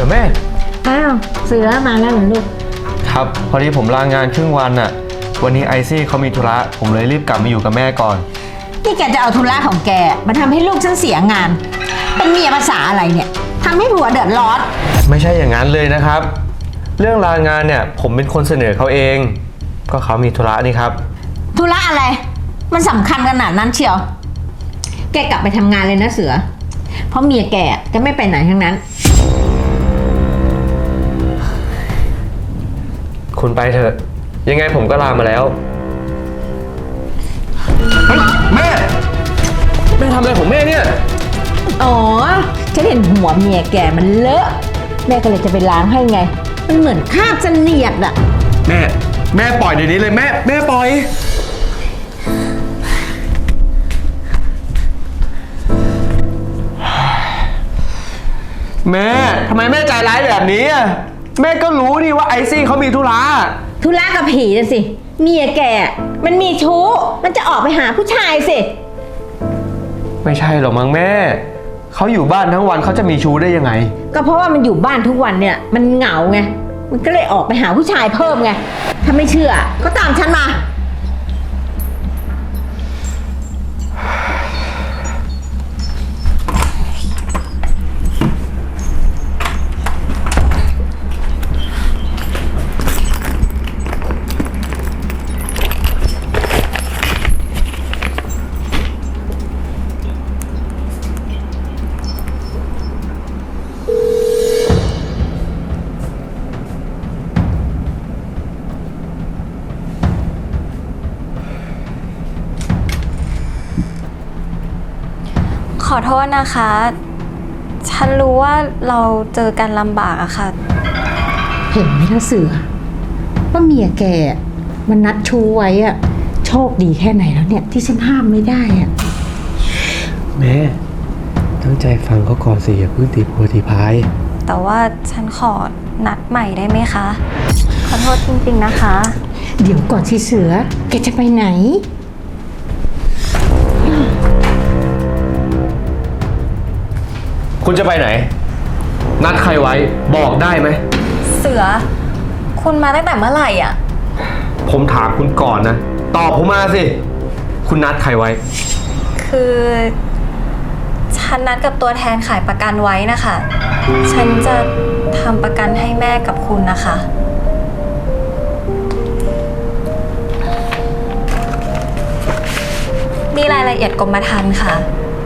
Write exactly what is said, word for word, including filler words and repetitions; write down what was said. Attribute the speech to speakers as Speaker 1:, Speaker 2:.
Speaker 1: ดี๋ยวแม่
Speaker 2: อ้าวเสือมาแล้วเหรอลูก
Speaker 1: ครับพอดีผมลางานครึ่งวันน่ะวันนี้ไอซี่เขามีธุระผมเลยรีบกลับมาอยู่กับแม่ก่อน
Speaker 2: นี่แกจะเอาธุระของแกมาทำให้ลูกฉันเสียงานเป็นเมียภาษาอะไรเนี่ยทำให้ผัวเดือดร้อน
Speaker 1: ไม่ใช่อย่างนั้นเลยนะครับเรื่องลางานเนี่ยผมเป็นคนเสนอเขาเองก็เขามีธุระนี่ครับ
Speaker 2: ธุระอะไรมันสำคัญขนาดนั้นเชียวแกกลับไปทำงานเลยนะเสือเพราะเมียแกจะไม่ไปไหนทั้งนั้น
Speaker 1: คุณไปเถอะยังไงผมก็ลามาแล้วเฮ้ยแม่แม่ทำอะไรของแม่เนี่ย
Speaker 2: อ๋อฉันเห็นหัวเมียแกมันเลอะแม่ก็เลยจะไปล้างให้ไงมันเหมือนคราบเสนียดอะ
Speaker 1: แม่แม่ปล่อยเดี๋ยวนี้เลยแม่แม่ปล่อยแม่ทำไมแม่ใจร้ายแบบนี้อ่ะแม่ก็รู้นี่ว่าไอซี่เขามีธุระ
Speaker 2: ธุระกับผีนะสิเมียแกมันมีชู้มันจะออกไปหาผู้ชายสิ
Speaker 1: ไม่ใช่หรอกมั้งแม่เขาอยู่บ้านทั้งวันเขาจะมีชู้ได้ยังไง
Speaker 2: ก็เพราะว่ามันอยู่บ้านทุกวันเนี่ยมันเหงาไงมันก็เลยออกไปหาผู้ชายเพิ่มไงถ้าไม่เชื่อก็ตามฉันมา
Speaker 3: ขอโทษนะคะ ฉันรู้ว่าเราเจอกันลำบากอะค่ะ
Speaker 2: เห็นไหมล่ะเสือว่าเมียแกมันนัดชูไว้อะโชคดีแค่ไหนแล้วเนี่ยที่ฉันห้ามไม่ได้อะ
Speaker 1: แม่ตั้งใจฟังเขาก่อนสิอย่าเพิ่งตีโพตีพาย
Speaker 3: แต่ว่าฉันขอนัดใหม่ได้ไหมคะขอโทษจริงๆนะคะ
Speaker 2: เดี๋ยวก่อนสิเสือแกจะไปไหน
Speaker 1: คุณจะไปไหนนัดใครไว้บอกได้ไหม
Speaker 3: เสือคุณมาตั้งแต่เมื่อไหร่อ่ะ
Speaker 1: ผมถามคุณก่อนนะตอบผมมาสิคุณนัดใครไว้
Speaker 3: คือฉันนัดกับตัวแทนขายประกันไว้นะคะฉันจะทำประกันให้แม่กับคุณนะคะนี่รายละเอียดกรมธรรม์ค่ะ